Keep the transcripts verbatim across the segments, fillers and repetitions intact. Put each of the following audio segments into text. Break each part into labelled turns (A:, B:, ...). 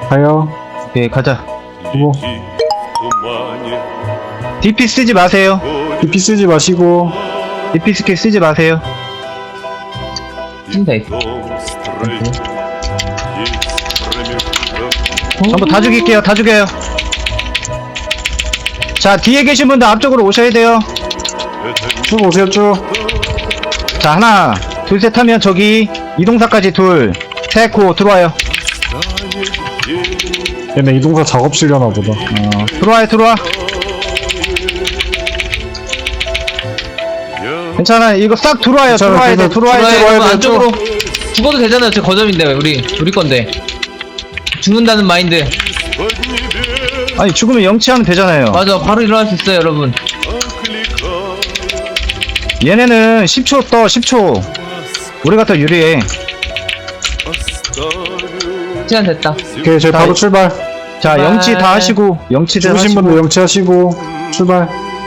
A: 가요.
B: 오케이, 가자.
A: 뭐
B: 디피 쓰지 마세요.
A: 디피 쓰지 마시고.
B: 디피 스킬 쓰지 마세요.
C: 찐다 있어.
B: 전부 다 죽일게요. 다 죽여요. 자, 뒤에 계신 분들 앞쪽으로 오셔야 돼요.
A: 쭉 오세요, 쭉.
B: 자, 하나, 둘, 셋 하면 저기 이동사까지 둘, 셋, 고 들어와요.
A: 얘네 이동사 작업실려나 보다.
B: 어, 들어와요, 들어와. 괜찮아, 이거 싹 들어와요.
A: 괜찮아,
B: 들어와야 돼,
A: 괜찮아.
B: 들어와야 돼.
C: 들어와요.
A: 돼,
C: 안쪽으로 죽어도 되잖아요. 저 거점인데 우리 우리 건데 죽는다는 마인드.
B: 아니, 죽으면 영치하면 되잖아요.
C: 맞아, 바로 일어날 수 있어요, 여러분.
B: 얘네는 십 초 떠, 십 초. 우리가 더 유리해.
C: 시간 됐다.
A: 오케이, 저희 바로 출발.
B: 자,
C: 출발.
B: 영치 다 하시고, 영치들
A: 죽으신
B: 하시고.
A: 분들 영치하시고 출발.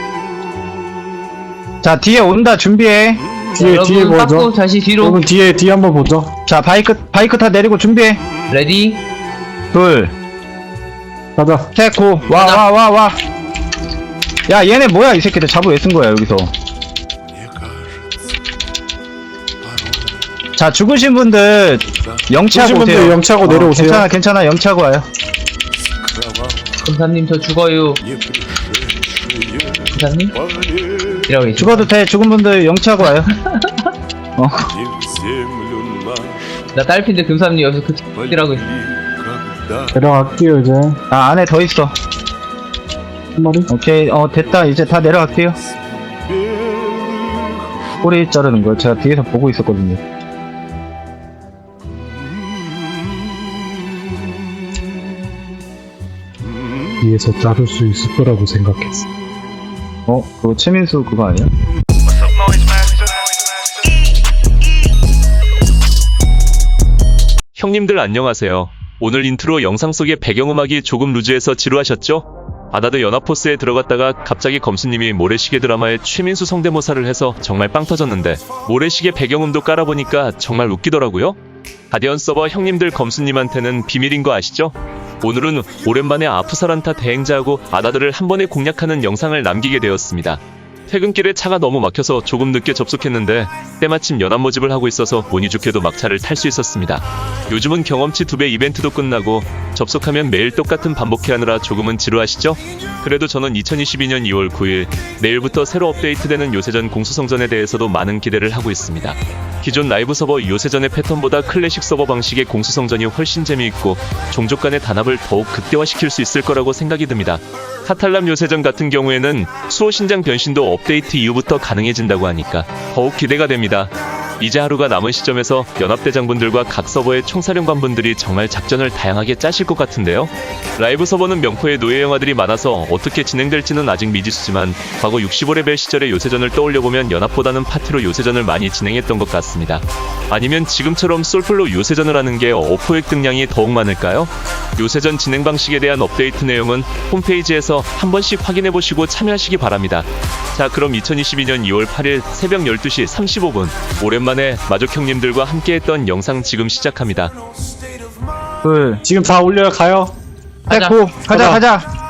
B: 자, 뒤에 온다, 준비해.
A: 뒤에
C: 여러분
A: 뒤에
C: 깎고
A: 보죠.
C: 다시 뒤로.
A: 여러분 뒤에 뒤에 한번 보죠.
B: 자, 바이크, 바이크 타 내리고 준비해.
C: 레디.
B: 둘,
A: 가자.
B: 셋, 고. 와,
C: 가자.
B: 와, 와, 와. 야, 얘네 뭐야, 이 새끼들. 자부 왜 쓴 거야, 여기서. 자, 죽으신 분들 영치하고
A: 죽으신 분들
B: 오세요.
A: 영치하고 내려오세요.
B: 괜찮아, 괜찮아. 영치하고 와요.
C: 검사님 저 죽어요. 검사님? 이라고 계시죠?
B: 죽어도 돼. 죽은 분들 영치하고 와요. 어.
C: 나 딸핀데 금사님 여기서 그 X라고 있어.
A: 내려갈게요 이제.
B: 아, 안에 더 있어.
A: 한 마리.
B: 오케이. 어, 됐다. 이제 다 내려갈게요. 꼬리 자르는 거요. 제가 뒤에서 보고 있었거든요.
A: 뒤에서 자를 수 있을 거라고 생각했어.
B: 어? 그거 최민수 그거 아니야?
D: 형님들 안녕하세요. 오늘 인트로 영상 속의 배경음악이 조금 루즈해서 지루하셨죠? 아다드 연합포스에 들어갔다가 갑자기 검수님이 모래시계 드라마에 최민수 성대모사를 해서 정말 빵 터졌는데 모래시계 배경음도 깔아보니까 정말 웃기더라고요. 가디언 서버 형님들 검수님한테는 비밀인 거 아시죠? 오늘은 오랜만에 아프사란타 대행자하고 아다드를 한 번에 공략하는 영상을 남기게 되었습니다. 퇴근길에 차가 너무 막혀서 조금 늦게 접속했는데 때마침 연합 모집을 하고 있어서 운이 좋게도 막차를 탈 수 있었습니다. 요즘은 경험치 두 배 이벤트도 끝나고 접속하면 매일 똑같은 반복해하느라 조금은 지루하시죠? 그래도 저는 이천이십이 년 이월 구일 내일부터 새로 업데이트되는 요새전 공수성전에 대해서도 많은 기대를 하고 있습니다. 기존 라이브 서버 요새전의 패턴보다 클래식 서버 방식의 공수성전이 훨씬 재미있고 종족 간의 단합을 더욱 극대화시킬 수 있을 거라고 생각이 듭니다. 카탈람 요새전 같은 경우에는 수호 신장 변신도 업데이트 이후부터 가능해진다고 하니까 더욱 기대가 됩니다. 이제 하루가 남은 시점에서 연합대장분들과 각 서버의 총사령관분들이 정말 작전을 다양하게 짜실 것 같은데요. 라이브 서버는 명포의 노예 영화들이 많아서 어떻게 진행될지는 아직 미지수지만 과거 육십오 레벨 시절의 요새전을 떠올려보면 연합보다는 파티로 요새전을 많이 진행했던 것 같습니다. 아니면 지금처럼 솔플로 요새전을 하는 게 어포획 등량이 더욱 많을까요? 요새전 진행 방식에 대한 업데이트 내용은 홈페이지에서 한 번씩 확인해보시고 참여하시기 바랍니다. 자, 그럼 이천이십이 년 이월 팔일 새벽 열두 시 삼십오 분 오랜만에 마족 형님들과 함께했던 영상 지금 시작합니다.
B: 둘,
A: 지금 다 올려요. 가요.
B: 셋,
C: 가자.
B: 고. 가자,
A: 가자.
B: 가자.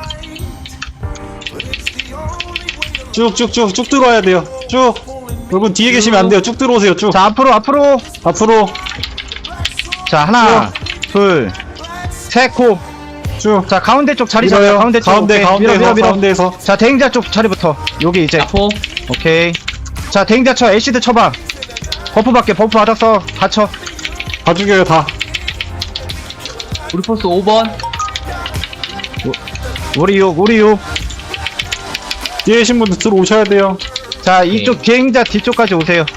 A: 쭉쭉쭉 쭉 들어와야 돼요. 쭉. 여러분 뒤에 계시면 안 돼요. 쭉 들어오세요. 쭉.
B: 자, 앞으로, 앞으로.
A: 앞으로
B: 자, 하나, 둘, 셋, 고.
A: 쭉.
B: 자, 가운데 쪽 자리
A: 밀어요.
B: 잡아요. 가운데 쪽.
A: 가운데
B: 오케이.
A: 가운데에서
B: 밀어, 밀어, 밀어.
A: 가운데에서.
B: 자, 대행자 쪽 자리부터. 여기 이제.
C: 아포.
B: 오케이. 자, 대행자 쳐. 애쉬드 쳐봐. 버프 받게. 버프 받았어. 다 쳐.
A: 다 죽여요 다.
C: 우리 포스 오 번.
B: 우리 육, 우리 육.
A: 뒤에 계신 분들 들어오셔야 돼요.
B: 자, 이쪽 대행자 뒤쪽까지 오세요.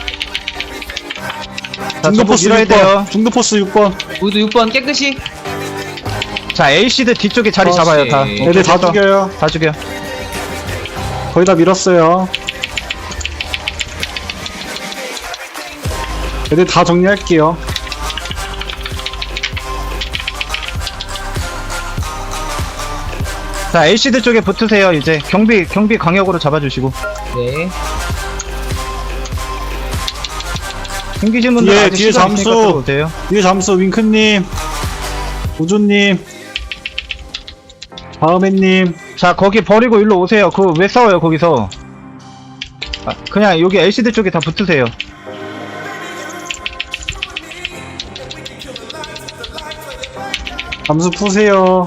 B: 자,
A: 중도 포스
B: 밀어야
A: 육 번.
B: 돼요.
A: 중도 포스 육 번.
C: 우리도 육 번 깨끗이.
B: 자, 에이시드 뒤쪽에 자리
C: 그렇지.
B: 잡아요. 다.
C: 애들
A: 애들 다
B: 됐어.
A: 죽여요.
B: 다 죽여.
A: 거의 다 밀었어요. 애들 다 정리할게요.
B: 자, 에이시드 쪽에 붙으세요. 이제 경비 경비 강력으로 잡아주시고.
C: 네.
B: 생기신 분들
A: 뒤에,
B: 아직
A: 뒤에
B: 시간 있으니까
A: 잠수.
B: 들어오세요.
A: 뒤에 잠수 윙크님. 우주님, 다음에님.
B: 자, 거기 버리고 일로 오세요. 그거 왜 싸워요, 거기서? 아, 그냥 여기 엘시디 쪽에 다 붙으세요.
A: 잠수 푸세요.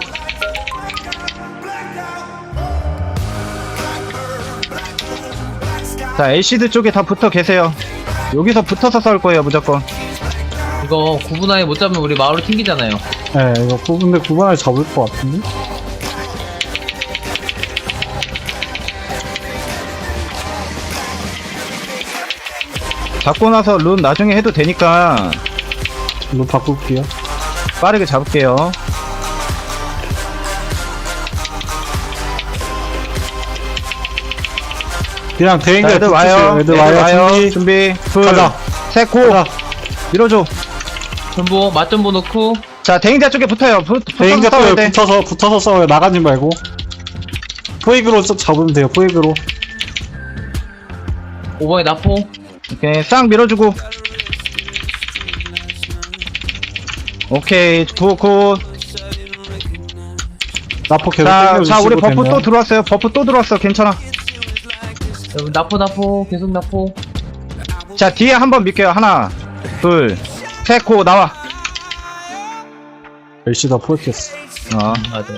B: 자, 엘시디 쪽에 다 붙어 계세요. 여기서 붙어서 싸울 거예요, 무조건.
C: 이거 구분아에 못 잡으면 우리 마을로 튕기잖아요.
A: 네, 이거 구, 근데 구분을 잡을 것 같은데?
B: 잡고 나서 룬 나중에 해도 되니까
A: 이거 바꿀게요.
B: 빠르게 잡을게요.
A: 그냥
B: 자,
A: 대행대
B: 애들
A: 붙으세요.
B: 와요.
A: 애들 와요. 준비.
B: 준비. 둘,
A: 가자.
B: 셋, 고.
A: 가자.
B: 밀어줘.
C: 전부 맞전부 넣고
B: 자, 대행자 쪽에 붙어요. 붙, 붙어서
A: 대행대
B: 싸워야
A: 쪽에
B: 돼.
A: 붙어서, 붙어서 싸워요. 나가지 말고. 포획으로 좀 잡으면 돼요, 포획으로.
C: 오 번에 나포.
B: 오케이, 싹 밀어주고. 오케이, 굿, 굿.
A: 나포 계속
B: 자,
A: 땡겨주시고
B: 자, 우리 버프
A: 되면.
B: 또 들어왔어요. 버프 또 들어왔어. 괜찮아.
C: 여러분 나포 나포 계속 나포.
B: 자, 뒤에 한번 밀게요. 하나, 둘, 셋, 고, 나와.
A: 열시 다 포획했어.
B: 어.
C: 맞아.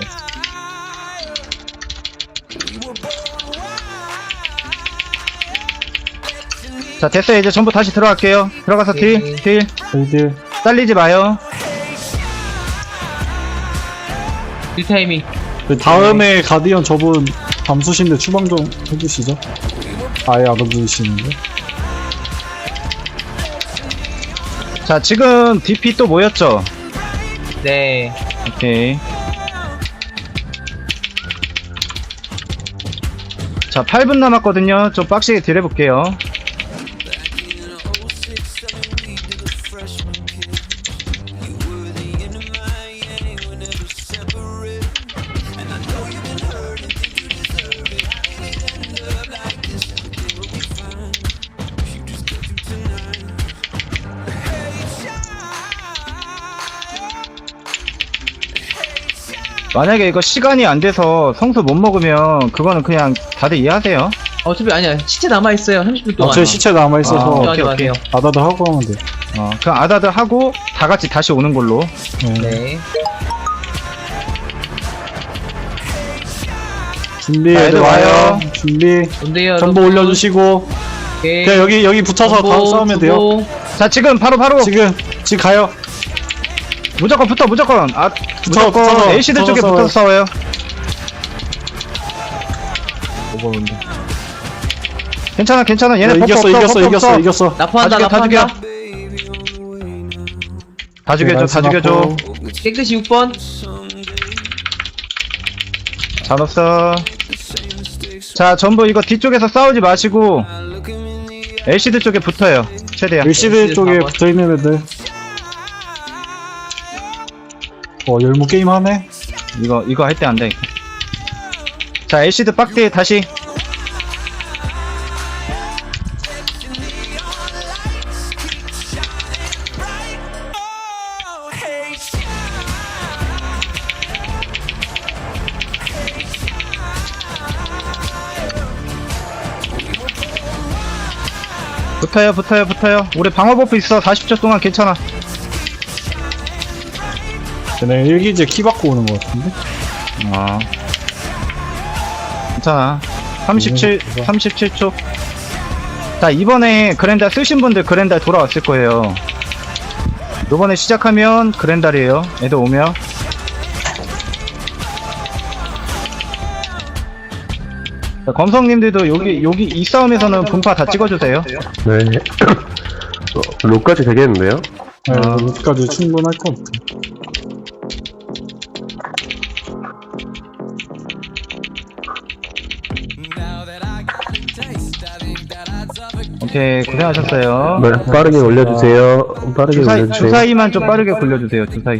B: 자, 됐어요. 이제 전부 다시 들어갈게요. 들어가서 딜,
C: 오케이.
B: 딜.
A: 저희들.
B: 잘리지 마요.
C: 딜 타이밍.
A: 그 다음에 가디언 저분 잠수신데 추방 좀 해주시죠. 아예 안 움직이시는데.
B: 자, 지금 디피 또 모였죠?
C: 네.
B: 오케이. 자, 팔 분 남았거든요. 좀 빡시게 딜 해볼게요. 만약에 이거 시간이 안 돼서 성수 못 먹으면 그거는 그냥 다들 이해하세요.
C: 어차피 아니야. 시체 남아 있어요. 삼십 분 동안.
A: 어차피 시체 남아있어서
B: 아,
C: 걱정하지
B: 오케이, 오케이.
C: 마세요.
A: 아다다 하고 하면 돼.
B: 어, 그럼 아다들 하고 다 같이 다시 오는 걸로.
A: 네.
C: 네.
A: 준비,
B: 자,
A: 애들
B: 애들
A: 와요.
B: 와요.
A: 준비.
C: 뭔데요?
A: 전부
C: 여러분?
A: 올려주시고.
C: 오케이.
A: 그냥 여기, 여기 붙어서
C: 전부,
A: 다 싸우면 돼요.
C: 주고.
B: 자, 지금 바로 바로
A: 지금, 지금 가요.
B: 무조건 붙어 무조건. 아, 무조건
A: 붙어서,
B: 에이시드
A: 붙어서
B: 쪽에
A: 싸워요.
B: 붙어서 싸워요. 괜찮아 괜찮아. 얘네
A: 야,
B: 버프
A: 이겼어,
B: 없어,
A: 이겼어,
B: 버프
A: 이겼어,
B: 없어.
A: 이겼어.
C: 나포한다
B: 다 죽여, 다
C: 나포한다.
B: 다 죽여줘 다 죽여줘.
C: 깨끗이 육 번.
B: 잘 없어. 자, 전부 이거 뒤쪽에서 싸우지 마시고 엘시드 쪽에 붙어요. 최대한.
A: 일시드 쪽에
C: 사 번.
A: 붙어있는 애들. 어, 열무 게임 하네?
B: 이거 이거 할 때 안 돼. 자, 엘시드 빡대 다시. 붙어요 붙어요 붙어요. 우리 방어 버프 있어. 사십 초 동안 괜찮아.
A: 쟤네 일기제 키 받고 오는 것 같은데?
B: 어. 괜찮아. 삼십칠,
A: 음,
B: 삼십칠 초. 자, 이번에 그랜달 쓰신 분들 그랜달 돌아왔을 거예요. 요번에 시작하면 그랜달이에요. 애들 오면. 자, 검성님들도 여기, 여기 이 싸움에서는 분파 다 찍어주세요.
E: 네. 어, 록까지 되겠는데요?
A: 네,
B: 아.
A: 여기까지 충분할 것 같아.
B: 오케이, 고생하셨어요.
E: 네, 빠르게 올려주세요. 빠르게
B: 주사위,
E: 올려주세요.
B: 주사위만 좀 빠르게 굴려주세요, 주사위.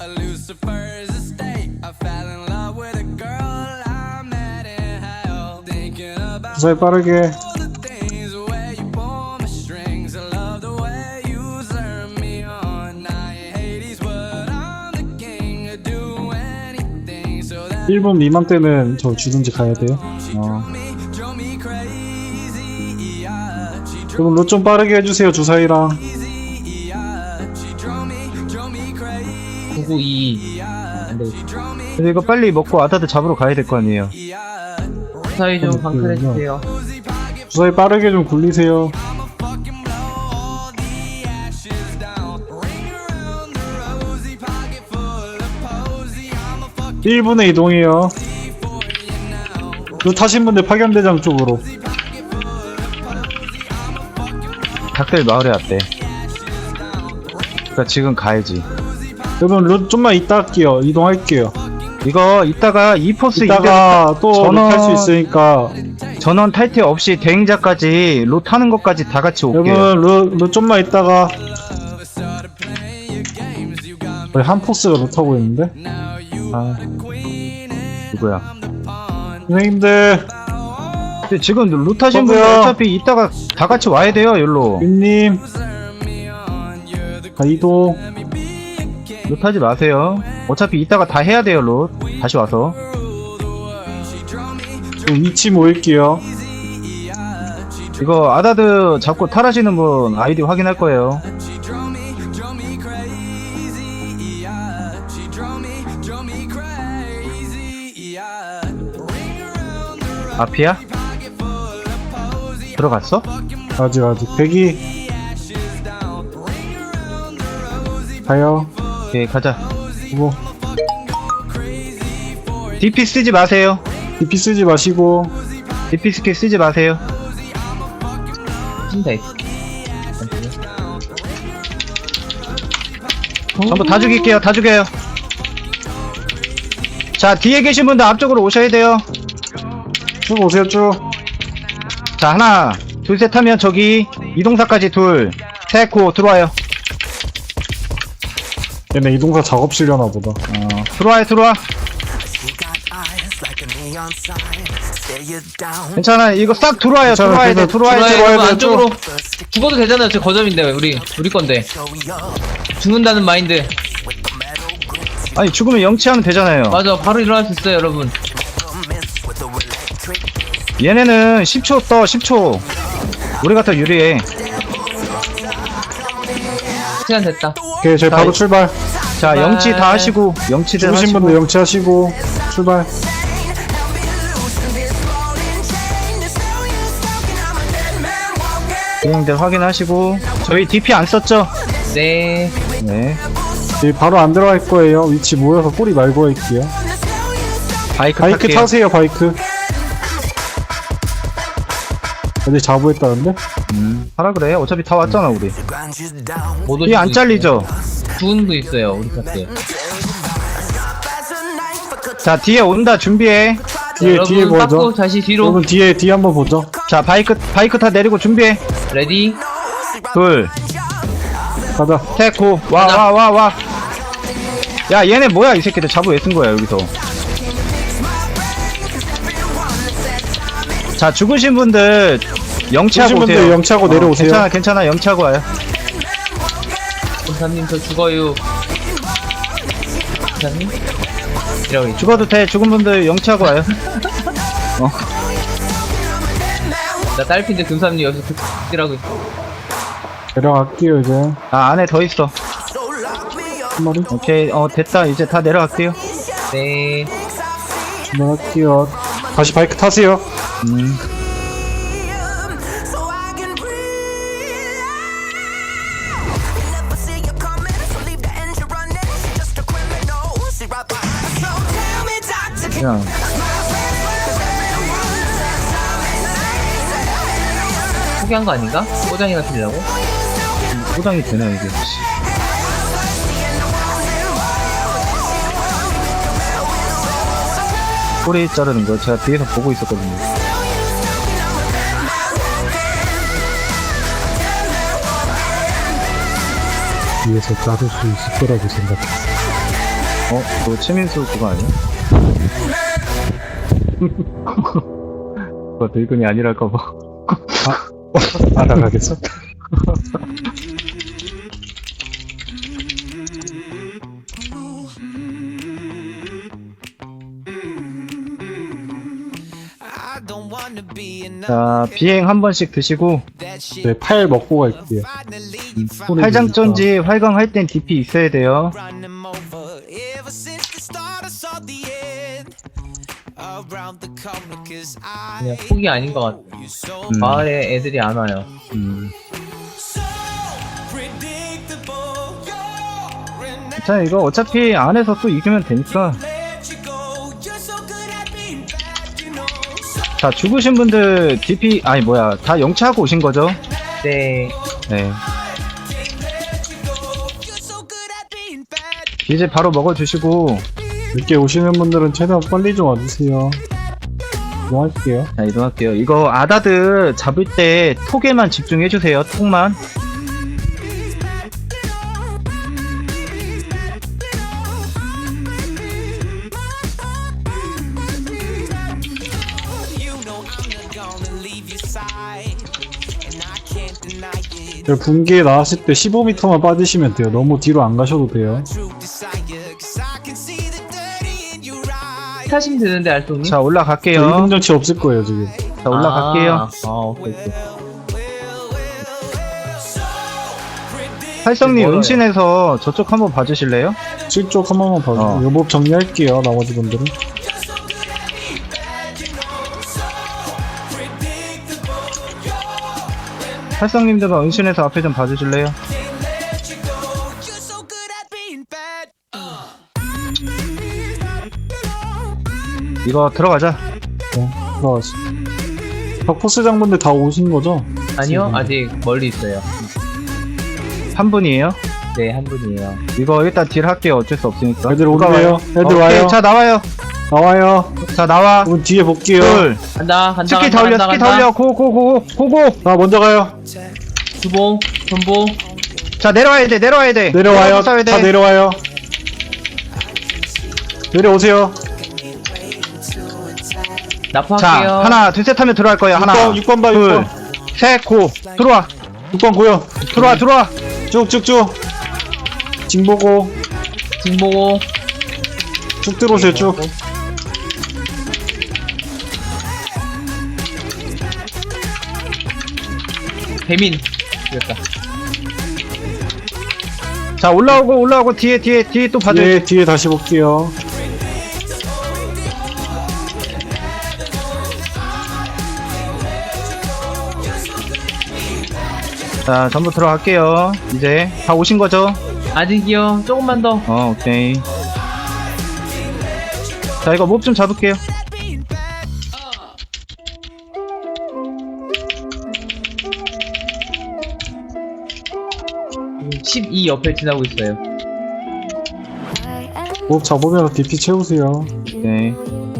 A: 주사위 빠르게. 일 분 미만 때는 저 주든지 가야 돼요.
B: 어.
A: 그럼 로 좀 빠르게 해주세요, 주사위랑.
C: 구구이 안 되겠다.
B: 근데 이거 빨리 먹고 아다드 잡으러 가야 될 거 아니에요.
C: 사위 좀 방클해주세요.
A: 주사위 빠르게 좀 굴리세요. 일 분에 이동해요. 로 타신 분들 파견대장 쪽으로.
B: 닭들 마을에 왔대. 그니까 지금 가야지.
A: 여러분 로 좀만 이따 할게요. 이동할게요.
B: 이거 이따가 이 포스
A: 이따가 또
B: 전원-
A: 탈 수 있으니까.
B: 전원 탈퇴 없이 대행자까지 로 타는 것까지 다 같이 올게요.
A: 여러분 로, 로 좀만 있다가. 거의 한 포스가 로 타고 있는데.
B: 아, 누구야?
A: 선생님들,
B: 근데 지금 로 타신 분들
A: 저도요.
B: 어차피 이따가 다 같이 와야 돼요, 여기로.
A: 윤님. 자, 이동.
B: 로 타지 마세요. 어차피 이따가 다 해야 돼요, 로. 다시 와서.
A: 좀 위치 모일게요.
B: 이거 아다드 잡고 탈하시는 분 아이디 확인할 거예요. 앞이야? 들어갔어?
A: 아직, 아직. 대기. 가요.
B: 오케이, 가자.
A: 뭐,
B: 디피 쓰지 마세요.
A: 디피 쓰지 마시고.
B: 디피 스킬 쓰지 마세요.
C: 신다 있어.
B: 전부 다 죽일게요. 다 죽여요. 자, 뒤에 계신 분들 앞쪽으로 오셔야 돼요.
A: 쭉 오세요, 쭉.
B: 자, 하나, 둘, 셋 하면 저기 이동사까지 둘, 셋, 고 들어와요.
A: 얘네 이동사 작업실려나 보다.
B: 어, 들어와요, 들어와. 괜찮아, 이거 싹 들어와요.
A: 괜찮아,
B: 들어와야 돼,
A: 괜찮아.
B: 들어와야
C: 들어와요.
B: 돼.
A: 들어와야
C: 여러분
A: 돼,
C: 안쪽으로 죽어도 되잖아요. 저 거점인데 우리 우리 건데 죽는다는 마인드.
B: 아니, 죽으면 영치하면 되잖아요.
C: 맞아, 바로 일어날 수 있어요, 여러분.
B: 얘네는 십 초 떠, 십 초. 우리가 더 유리해.
C: 시간 됐다.
A: 오케이, 저희 바로 출발.
B: 자,
C: 네.
B: 영치 다 하시고, 영치들
A: 죽으신
B: 하시고.
A: 분들 영치하시고, 출발.
B: 비행들 확인하시고. 저희 디피 안 썼죠?
C: 네.
B: 네.
A: 여기 바로 안 들어갈 거예요. 위치 모여서 꼬리 말고 할게요.
B: 바이크,
A: 바이크
B: 탈게요.
A: 타세요, 바이크. 어디 자부했다는데?
B: 음, 하라 그래. 어차피 다 왔잖아, 우리.
C: 못
B: 뒤에 안 잘리죠?
C: 죽은 분 있어요, 우리 카트.
B: 자, 뒤에 온다. 준비해.
A: 뒤에, 뒤에
C: 여러분
A: 보죠.
C: 빠꾸 다시 뒤로.
A: 여러분, 뒤에, 뒤에 한번 보죠.
B: 자, 바이크, 바이크 다 내리고 준비해.
C: 레디.
B: 둘,
A: 가자.
B: 셋, 고. 와,
C: 가자.
B: 와, 와, 와. 야, 얘네 뭐야, 이 새끼들. 자부 왜 쓴 거야, 여기서. 자, 죽으신 분들 영치하고
A: 죽으신
B: 오세요.
A: 분들 영치하고 내려오세요.
B: 괜찮아, 괜찮아. 영치하고 와요.
C: 검사님 저 죽어요. 검사님. 이라고 있죠.
B: 죽어도 돼. 죽은 분들 영치하고 와요. 어.
C: 나 딸핀데 금사님 여기서 극이라고 있어.
A: 내려갈게요, 이제.
B: 아, 안에 더 있어.
A: 한 마리.
B: 오케이, 어, 됐다. 이제 다 내려갈게요.
C: 네.
A: 출발할게요. 다시 바이크 타세요.
B: 음. 그냥
C: 포기한 거 아닌가? 꼬장이가 틀려고?
B: 포장이 되나 이게. 꼬리 자르는 거 제가 뒤에서 보고 있었거든요.
A: 뒤에서 자를 수 있을 거라고 생각해.
B: 어? 그거 최민수 그거 아니야? 그거 늙은이 아니랄까봐.
A: 알아가겠어?
B: 자, 비행 한 번씩 드시고,
A: 네, 팔 먹고 갈게요. 소리
B: 활장전지 활강할 땐 디피 있어야 돼요.
C: 그냥 폭이 아닌 것 같아.
B: 음.
C: 마을에 애들이 안 와요.
B: 음. 자, 이거 어차피 안에서 또 이기면 되니까. 자, 죽으신 분들 디피, 아니 뭐야, 다 영치하고 오신 거죠?
C: 네.
B: 네. 이제 바로 먹어주시고,
A: 늦게 오시는 분들은 최대한 빨리 좀 와주세요. 이동할게요.
B: 자, 이동할게요. 이거 아다드 잡을 때 톡에만 집중해주세요, 톡만.
A: 네, 분기에 나왔을 때 십오 미터만 빠지시면 돼요. 너무 뒤로 안 가셔도 돼요.
C: 타시면 되는데, 알통님?
B: 자, 올라갈게요.
A: 이동정치 없을 거예요, 지금.
B: 자, 올라갈게요.
C: 아, 아, 오케이, 오케이.
B: 활성님
C: 멀어요.
B: 은신해서 저쪽 한번 봐주실래요?
A: 칠쪽 한 번만 봐주세요.
B: 어.
A: 요법 정리할게요, 나머지 분들은.
B: 활성님들은 은신해서 앞에 좀 봐주실래요? 이거 들어가자.
A: 네, 들어가시. 덕포스 장분들 다 오신 거죠?
C: 아니요, 아직 멀리 있어요.
B: 한 분이에요.
C: 네, 한 분이에요.
B: 이거 일단 딜 할게요. 어쩔 수 없으니까.
A: 애들
B: 누가
A: 오네요.
B: 와요?
A: 애들
B: 오케이,
A: 와요.
B: 자, 나와요.
A: 나와요.
B: 자, 나와.
A: 그럼 뒤에 볼게요.
B: 둘.
C: 간다, 간다,
B: 스키
C: 간다,
B: 다 올려,
C: 간다,
B: 스키 다
C: 간다.
B: 올려. 고, 고, 고, 고, 고.
A: 나 먼저 가요.
C: 주봉, 전보.
B: 자, 내려와야 돼, 내려와야 돼.
A: 내려와요.
B: 싸워야 돼.
A: 다 내려와요. 내려오세요.
C: 납포할게요.
B: 자, 하나, 둘, 셋 하면 들어갈 거야. 하나,
A: 육 번 봐,
B: 둘,
A: 육 번.
B: 셋, 고. 들어와.
A: 육 번 고요.
B: 들어와, 들어와.
A: 쭉쭉쭉. 징 보고.
C: 지금 보고.
A: 쭉 들어오세요, 쭉.
C: 배민. 이겼다.
B: 자, 올라오고, 올라오고, 뒤에, 뒤에, 뒤에 또 봐줘.
A: 예, 뒤에 다시 볼게요.
B: 자, 전부 들어갈게요. 이제 다 오신 거죠?
C: 아직이요. 조금만 더.
B: 어, 오케이. 자, 이거 몹 좀 잡을게요.
C: 십이 옆에 지나고 있어요.
A: 뭐 잡으면 디피 채우세요.
B: 오케이.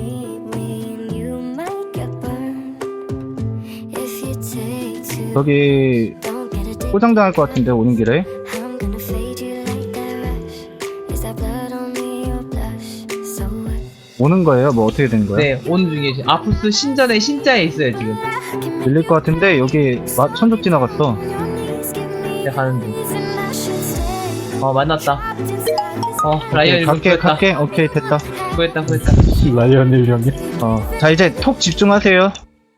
B: 저기 포장당할 것 같은데 오는 길에. 오는 거예요? 뭐 어떻게 된 거야?
C: 네, 오는 중에 지금 아프스 신전에 신자에 있어요, 지금.
B: 밀릴 것 같은데 여기 마, 천족 지나갔어.
C: 네, 가는 중. 어, 만났다. 어, 라이언 일본
B: 갈게,
C: 구했다.
B: 갈게. 오케이, 됐다.
C: 구했다, 구했다.
A: 라이언 일 형이.
B: 어, 자 이제 톡 집중하세요.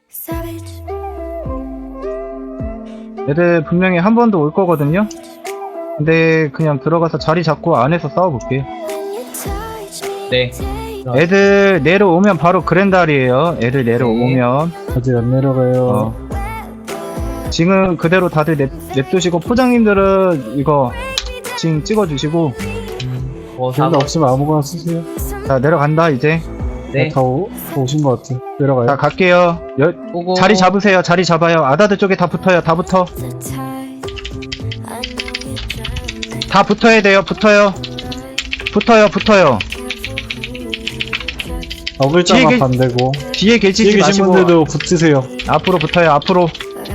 B: 애들 분명히 한 번 더 올 거거든요. 근데 그냥 들어가서 자리 잡고 안에서 싸워볼게요.
C: 네.
B: 애들 내려오면 바로 그랜달이에요. 애들 내려오면.
A: 아직 안 내려가요.
B: 어. 지금 그대로 다들 냅, 냅두시고 포장님들은 이거 지금 찍어주시고.
C: 어,
A: 기운
C: 사고.
A: 없으면 아무거나 쓰세요.
B: 자 내려간다 이제.
C: 네.
A: 다, 오, 다 오신 것 같아. 내려가요.
B: 자 갈게요. 여,
C: 보고.
B: 자리 잡으세요. 자리 잡아요. 아다드 쪽에 다 붙어요. 다 붙어. 다 붙어야 돼요. 붙어요. 붙어요. 붙어요.
A: 어글자만
B: 뒤에 계-
A: 반대고.
B: 뒤에 계시지
A: 뒤에 계신
B: 마시고
A: 분들도 붙으세요.
B: 앞으로 붙어요. 앞으로.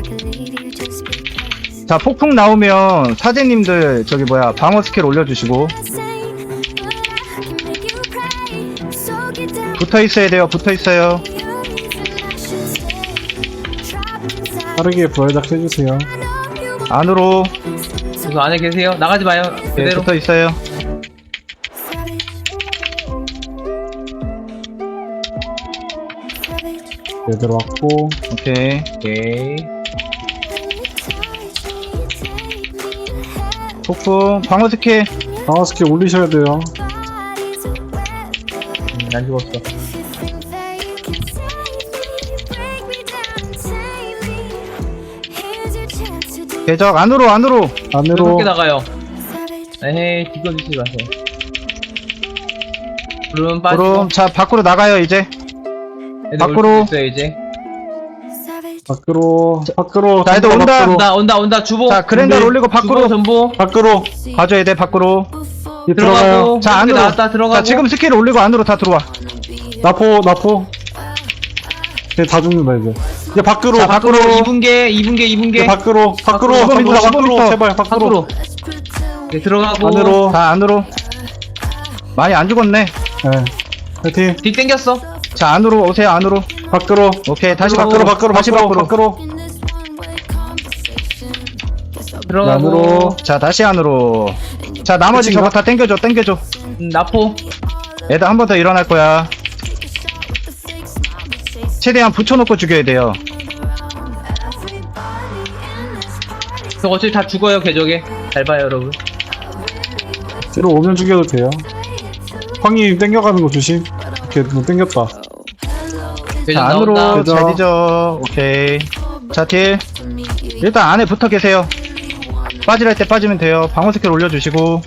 B: 자 폭풍 나오면 사제님들 저기 뭐야 방어 스킬 올려주시고. 붙어 있어야 돼요. 붙어 있어요.
A: 빠르게 부활작 해주세요.
B: 안으로.
C: 그 안에 계세요? 나가지 마요.
B: 네,
C: 그대로.
B: 붙어 있어요.
A: 얘들 왔고.
B: 오케이.
C: 오케이.
B: 폭풍 방어 스킬.
A: 방어 스킬 올리셔야 돼요.
C: 음, 난 죽었어.
B: 궤적 안으로 안으로.
A: 안으로.
C: 밖에 나가요. 에헤이, 뒤집어주시지 마세요. 구름 빠지고.
B: 그럼 자 밖으로 나가요 이제.
C: 애들
B: 밖으로.
C: 올 수도 있어요, 이제.
A: 밖으로. 밖으로.
B: 자, 애들
A: 전부
B: 온다.
A: 밖으로.
C: 온다, 온다, 온다. 주보.
B: 자 그랜달
A: 준비.
B: 올리고 밖으로.
C: 주보 전부.
A: 밖으로.
B: 봐줘야 돼 밖으로.
A: 이 들어가요.
C: 들어가고.
B: 자
C: 이렇게
B: 안으로.
C: 나왔다, 들어가고.
B: 자 지금 스킬 올리고 안으로 다 들어와.
A: 나포, 나포. 얘 다 죽는다, 이제. 이제 밖으로.
B: 자,
C: 밖으로
B: 밖으로.
C: 이 분계, 이 분계, 이 분계.
A: 이제 밖으로. 밖으로.
B: 밖으로.
A: 전부 다
B: 십오
A: 밖으로.
B: 미터.
A: 제발, 밖으로.
C: 밖으로. 네, 들어가고.
A: 안으로.
B: 다 안으로. 많이 안 죽었네.
A: 네. 파이팅.
C: 뒤 땡겼어.
B: 자 안으로 오세요 안으로.
A: 밖으로.
B: 오케이 다시
A: 밖으로,
B: 밖으로.
A: 밖으로,
B: 다시
A: 밖으로,
B: 밖으로.
A: 밖으로.
C: 들어가고.
A: 안으로.
B: 자 다시 안으로. 자 나머지
A: 끝인가?
B: 저거 다 땡겨줘 땡겨줘.
C: 음, 나포.
B: 애들 한 번 더 일어날 거야. 최대한 붙여놓고 죽여야 돼요.
C: 저 어차피 다 죽어요, 궤적에. 잘 봐요, 여러분.
A: 뒤로 오면 죽여도 돼요. 황이 땡겨가는 거 조심. 이렇게 뭐 땡겼다.
C: 궤적
B: 자 안으로
C: 나온다.
A: 궤적.
B: 잘 뒤져. 오케이. 자 딜. 일단 안에 붙어 계세요. 빠지랄 때 빠지면 돼요. 방어 스킬 올려주시고.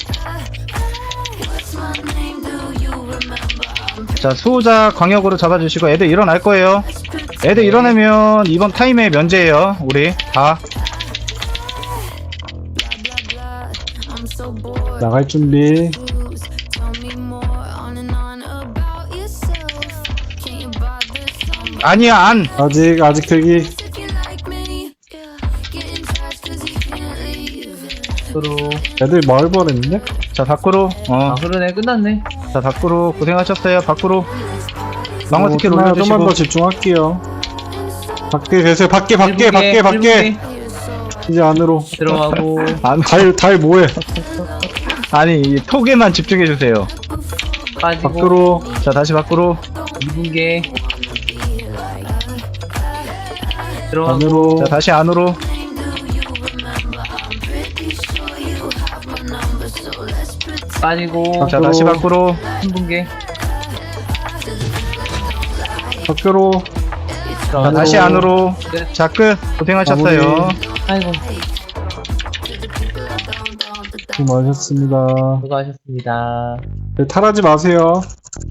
B: 자 수호자 광역으로 잡아주시고 애들 일어날 거예요. 애들 일어나면 이번 타임에 면제예요. 우리 다.
A: 나갈 준비.
B: 아니야 안.
A: 아직, 아직 대기.
C: 밖으로.
A: 애들 마을 버렸는데?
B: 자 밖으로. 어.
C: 아, 그러네. 끝났네.
B: 자 밖으로 고생하셨어요. 밖으로. 방어
A: 어,
B: 스킬
A: 좀만-
B: 올려주시고.
A: 좀만 더 집중할게요. 밖에 계세요. 밖에, 밖에,
C: 일 분계,
A: 밖에,
C: 일
A: 밖에.
C: 분계.
A: 이제 안으로.
C: 들어가고.
B: 안,
A: 달, 달 뭐해?
B: 아니 이 톡에만 집중해 주세요.
C: 빠지고.
A: 밖으로.
B: 자 다시 밖으로.
C: 이 분계. 들어가고.
A: 안으로.
B: 자 다시 안으로.
C: 빠지고.
B: 자 다시 밖으로.
C: 한 분계.
A: 밖으로.
B: 자 다시 안으로.
C: 끝.
B: 자 끝. 고생하셨어요.
A: 마무리.
C: 아이고.
A: 수고하셨습니다.
C: 수고하셨습니다.
A: 네, 탈하지 마세요.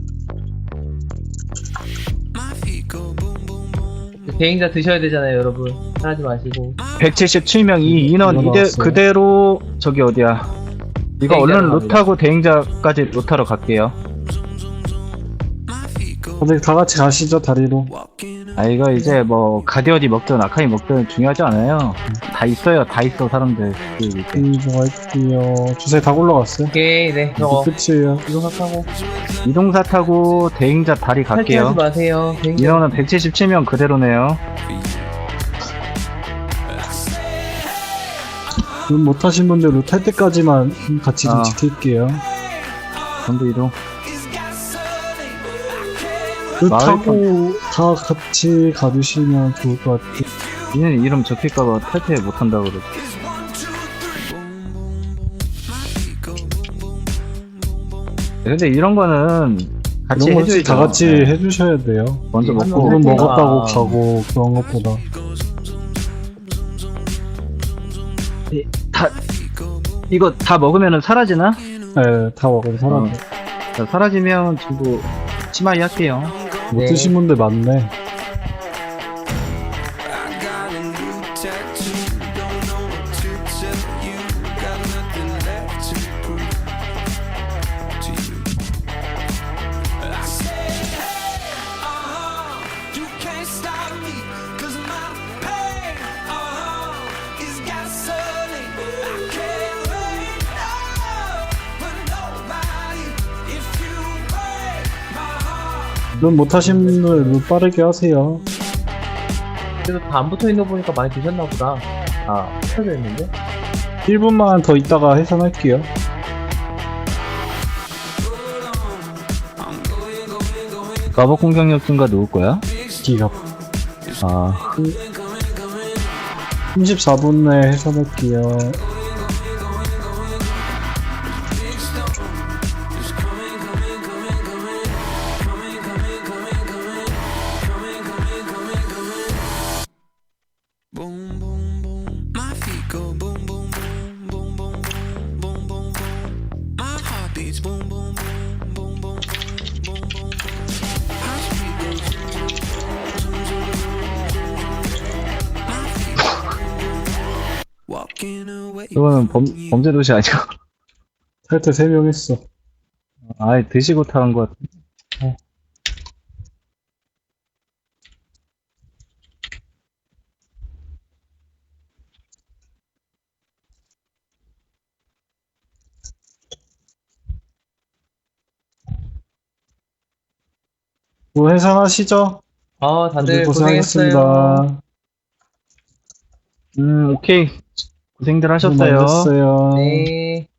C: 대행자 드셔야 되잖아요, 여러분. 하지 마시고.
B: 백칠십칠 명 이 인원 이대
A: 일어났어요.
B: 그대로 저기 어디야. 이거
C: 대행자로
B: 얼른
C: 갑니다.
B: 루트하고 대행자까지 루트하러 갈게요.
A: 다들 다 같이 가시죠, 다리로.
B: 아 이거 이제 뭐 가디언이 먹든 아카이 먹든 중요하지 않아요. 다 있어요. 다 있어 사람들. 그 밑에.
A: 이동할게요. 주사위 다 올라갔어요.
C: 오케이, 네.
A: 이제
C: 저거.
A: 끝이에요.
C: 이동하고.
B: 이동사 타고 대행자 다리 갈게요.
C: 탈퇴하지 마세요. 대행자.
B: 인원은 백칠십칠 명 그대로네요.
A: 음, 못하신 분들 루탈 때까지만 같이 좀
B: 아.
A: 지킬게요.
B: 전부 이동.
A: 루타고 다 같이 가주시면 좋을 것 같아요.
B: 얘는 이름 적힐까봐 탈퇴 못한다고 그러지. 근데 이런 거는 같이
A: 이런 거
B: 해줘야죠.
A: 다 같이
B: 네.
A: 해주셔야 돼요.
B: 먼저
C: 한
B: 먹고.
A: 물은
C: 아.
A: 먹었다고 가고 그런 것보다.
B: 다 이거 다 먹으면은 사라지나?
A: 네, 다 먹어도 사람.
B: 어. 자, 사라지면 전부 치마이 할게요.
A: 못
C: 네.
A: 드신 분들 많네. 룬 못하신 분들 룬 빠르게 하세요.
C: 그래도 다 안 붙어 있는 거 보니까 많이 드셨나 보다. 아, 붙어져 있는데?
A: 일 분만 더 있다가 해산할게요.
B: 마법 공격력 증가 누울 거야?
A: 기가.
B: 아,
A: 삼십사 분 내에 해산할게요.
F: Boom, boom, boom. My feet go boom, boom, boom, boom, boom, boom, boom, boom, boom. My heart beats boom, boom, boom, boom, boom, boom, boom, boom. My feet go zoom, zoom, zoom, zoom, zoom. My feet go boom, boom. Walking away.
B: 이거는 범, 범죄 도시 아니고.
A: 탈퇴 세 명 했어.
B: 아, 드시고 타는 것 같아.
A: 뭐 해산하시죠?
C: 아, 다들
A: 고생하셨습니다.
C: 고생했어요.
B: 음, 오케이. 고생들
A: 고생
B: 하셨어요.
A: 많으셨어요.
C: 네.